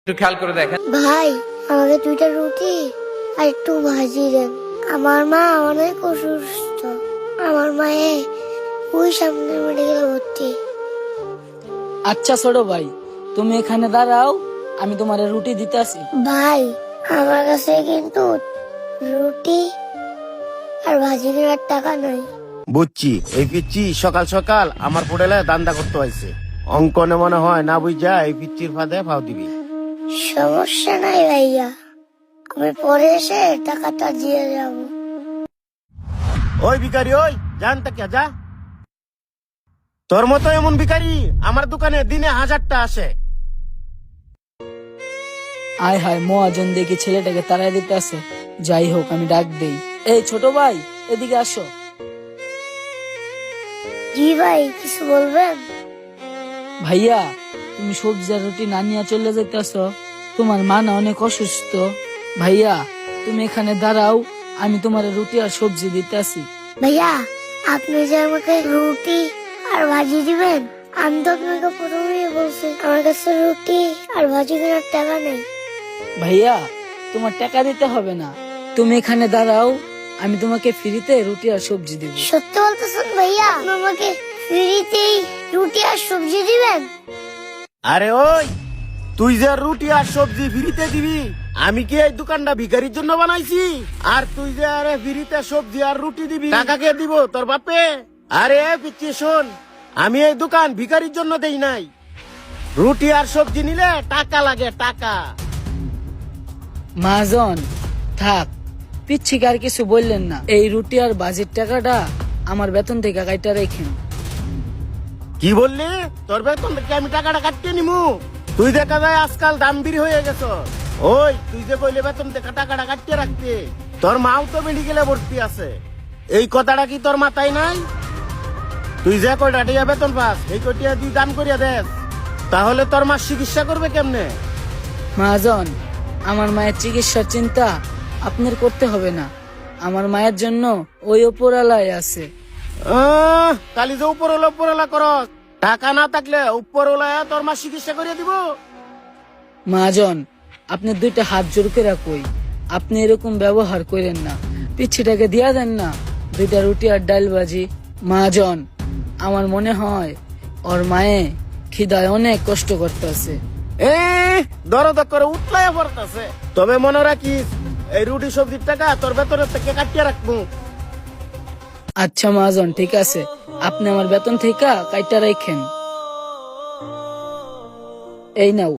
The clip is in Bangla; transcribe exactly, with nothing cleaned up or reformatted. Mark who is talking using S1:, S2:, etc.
S1: একটু খেয়াল করে দেখেন।
S2: ভাই আমাকে দুইটা রুটি আর একটু ভাজি দেন। আমার মা অনেক অসুস্থ। আমার মায়ে ওই সামনে মেডিকেলে ভর্তি।
S3: আচ্ছা ছোট ভাই, তুমি এখানে দাঁড়াও, আমি তোমার রুটি দিতে আসি।
S2: ভাই আমার কাছে কিন্তু রুটি আর ভাজি কেনার টাকা নাই।
S4: বুঝছি, এই পিচ্ছি সকাল সকাল আমার হোটেলে দান্দা করতে হয়েছে। অঙ্কনে মনে হয় না বুঝা এই পিচ্ছির ফাঁদে ফাও দিবি।
S2: সমস্যা নাই ভাইয়া, আমি পরে এসে টাকাটা দিয়ে যাব।
S4: ওই ভিখারি, ওই জান তাকিয়া যা। তোর মতো এমন ভিখারি আমার দোকানে দিনে হাজারটা আসে।
S3: আয় হায়, মহাজন দেখি ছেলেটাকে তাড়াই দিতে আসে। যাই হোক, আমি ডাক দেই। এই ছোট ভাই, এদিকে আসো।
S2: জি ভাই, কিছু বলবেন?
S3: ভাইয়া, তুমি সবজি আর রুটি না নিয়ে চলে যেতেছ? তোমার মা না অনেক অসুস্থ। ভাইয়া, তুমি এখানে দাঁড়াও, আমি তোমার রুটি আর সবজি দিতে আসি।
S2: ভাইয়া আপনি যে আমাকে রুটি আর ভাজি দিবেন, আমি তো আপনাকে প্রথমেই বলছি আমার কাছে রুটি আর ভাজি কেনার টাকা নেই।
S3: ভাইয়া, তোমার টাকা দিতে হবে না, তুমি এখানে দাঁড়াও, আমি তোমাকে ফ্রিতে রুটি আর সবজি দিব।
S2: সত্যি বলতেছেন ভাইয়া? আপনি আমাকে ফ্রিতেই রুটি আর সবজি দিবেন?
S4: আরে ওই, তুই যে রুটি আর সবজি ফ্রিতে দিবি, আমি কি এই দোকানটা ভিখারির জন্য বানাইছি? আর তুই যে আরে ফ্রিতে সবজি আর রুটি দিবি, টাকা কে দিব? তোর বাপে? আরে পিচ্ছি শোন, আমি এই দোকান ভিখারির জন্য দেই নাই। রুটি আর সবজি নিলে টাকা লাগে, টাকা।
S3: মহাজন থাক, পিচ্ছিকে আর কিছু বললেন না। এই রুটি আর ভাজির টাকাটা আমার বেতন থেকে কাইটা রেখেন।
S4: কি বললি? তোর বেতন থেকে আমি টাকাটা কাটিয়ে নিমু? তুই দেখা যায় আজকাল দামবির হয়ে গেছ। ওই তুই যে কইলে বেতন থেকে টাকাটা কাটিয়ে রাখতে, তোর মাও তো মেডিকেলে ভর্তি আছে। এই কথাটা কি তোর মাথায় নাই? তুই যে কয়টা টিয়া বেতন পাস, এই কয়টা তুই দাম করিয়া দেস, তাহলে তোর মা চিকিৎসা করবে কেমনে?
S3: মহাজন, আমার মায়ের চিকিৎসার চিন্তা আপনার করতে হবে না। আমার মায়ের জন্য ওই ওপরালায় আছে।
S4: আহ, কালি যে উপরওয়ালা উপরওয়ালা করস, টাকা না থাকলে উপরওয়ালা তোর মা চিকিৎসা করিয়া দিব।
S3: মহাজন, আপনি দুইটা হাত জোর করে কই, আপনি এরকম ব্যবহার করেন না। পিচ্ছিটাকে দিয়া দেন না দুইটা রুটি আর ডাল ভাজি। মহাজন, আমার মনে হয় ওর মায়ে খিদায় অনেক কষ্ট করতেছে।
S4: এ দরদ করে উঠলাইয়া পড়তাছে। তবে মনে রাখিস, এই রুটি সবজির টাকা তোর বেতনের থেকে কাটিয়ে রাখবো।
S3: আচ্ছা মহাজন, ঠিক আছে, আপনি আমার বেতন থেকে কাইটা রাখেন। এই নাও।